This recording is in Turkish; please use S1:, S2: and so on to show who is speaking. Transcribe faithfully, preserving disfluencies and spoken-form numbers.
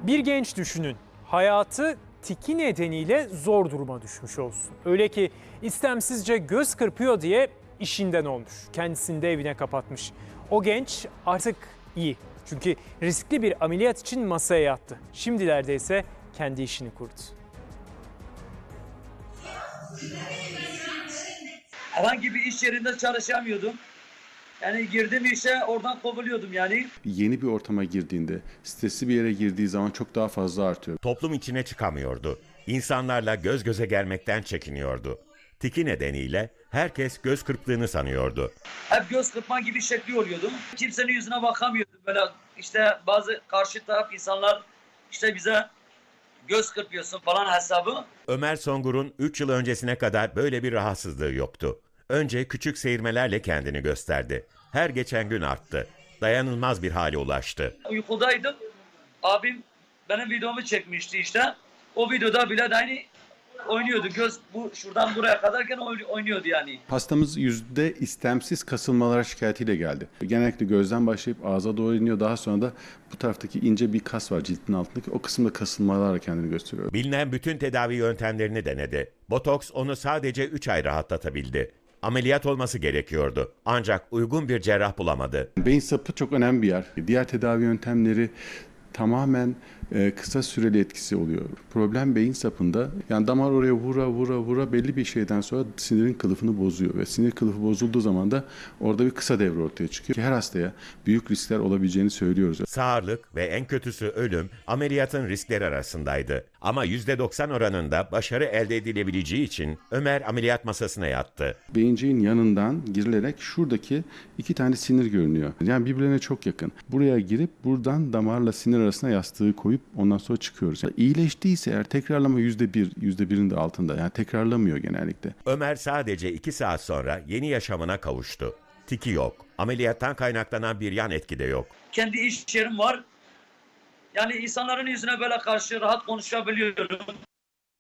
S1: Bir genç düşünün, hayatı tiki nedeniyle zor duruma düşmüş olsun. Öyle ki istemsizce göz kırpıyor diye işinden olmuş. Kendisini de evine kapatmış. O genç artık iyi. Çünkü riskli bir ameliyat için masaya yattı. Şimdilerde ise kendi işini kurdu.
S2: Herhangi bir iş yerinde çalışamıyordum. Yani girdim işe oradan kovuluyordum yani.
S3: Yeni bir ortama girdiğinde, stresli bir yere girdiği zaman çok daha fazla artıyor.
S4: Toplum içine çıkamıyordu. İnsanlarla göz göze gelmekten çekiniyordu. Tiki nedeniyle herkes göz kırptığını sanıyordu.
S2: Hep göz kırpma gibi şekli oluyordu. Kimsenin yüzüne bakamıyordum. Böyle işte bazı karşı taraf insanlar işte bize göz kırpıyorsun falan hesabı.
S4: Ömer Songur'un üç yıl öncesine kadar böyle bir rahatsızlığı yoktu. Önce küçük seyirmelerle kendini gösterdi. Her geçen gün arttı. Dayanılmaz bir hale ulaştı.
S2: Uykudaydım. Abim benim videomu çekmişti işte. O videoda bile de aynı oynuyordu. Göz bu şuradan buraya kadarken oynuyordu yani.
S3: Hastamız yüzde istemsiz kasılmalara şikayetiyle geldi. Genellikle gözden başlayıp ağza doğru iniyor. Daha sonra da bu taraftaki ince bir kas var ciltin altındaki. O kısımda kasılmalarla kendini gösteriyor.
S4: Bilinen bütün tedavi yöntemlerini denedi. Botoks onu sadece üç ay rahatlatabildi. Ameliyat olması gerekiyordu. Ancak uygun bir cerrah bulamadı.
S3: Beyin sapı çok önemli bir yer. Diğer tedavi yöntemleri tamamen e, kısa süreli etkisi oluyor. Problem beyin sapında. Yani damar oraya vura vura vura belli bir şeyden sonra sinirin kılıfını bozuyor ve sinir kılıfı bozulduğu zaman da orada bir kısa devre ortaya çıkıyor. Her hastaya büyük riskler olabileceğini söylüyoruz.
S4: Sağırlık ve en kötüsü ölüm ameliyatın riskleri arasındaydı. Ama yüzde doksan oranında başarı elde edilebileceği için Ömer ameliyat masasına yattı.
S3: Beyinciğin yanından girilerek şuradaki iki tane sinir görünüyor. Yani birbirlerine çok yakın. Buraya girip buradan damarla sinir arasına yastığı koyup ondan sonra çıkıyoruz. Yani iyileştiyse eğer tekrarlama yüzde bir, yüzde birin de altında. Yani tekrarlamıyor genellikle.
S4: Ömer sadece iki saat sonra yeni yaşamına kavuştu. Tiki yok. Ameliyattan kaynaklanan bir yan etki de yok.
S2: Kendi iş yerim var. Yani insanların yüzüne böyle karşı rahat konuşabiliyorum.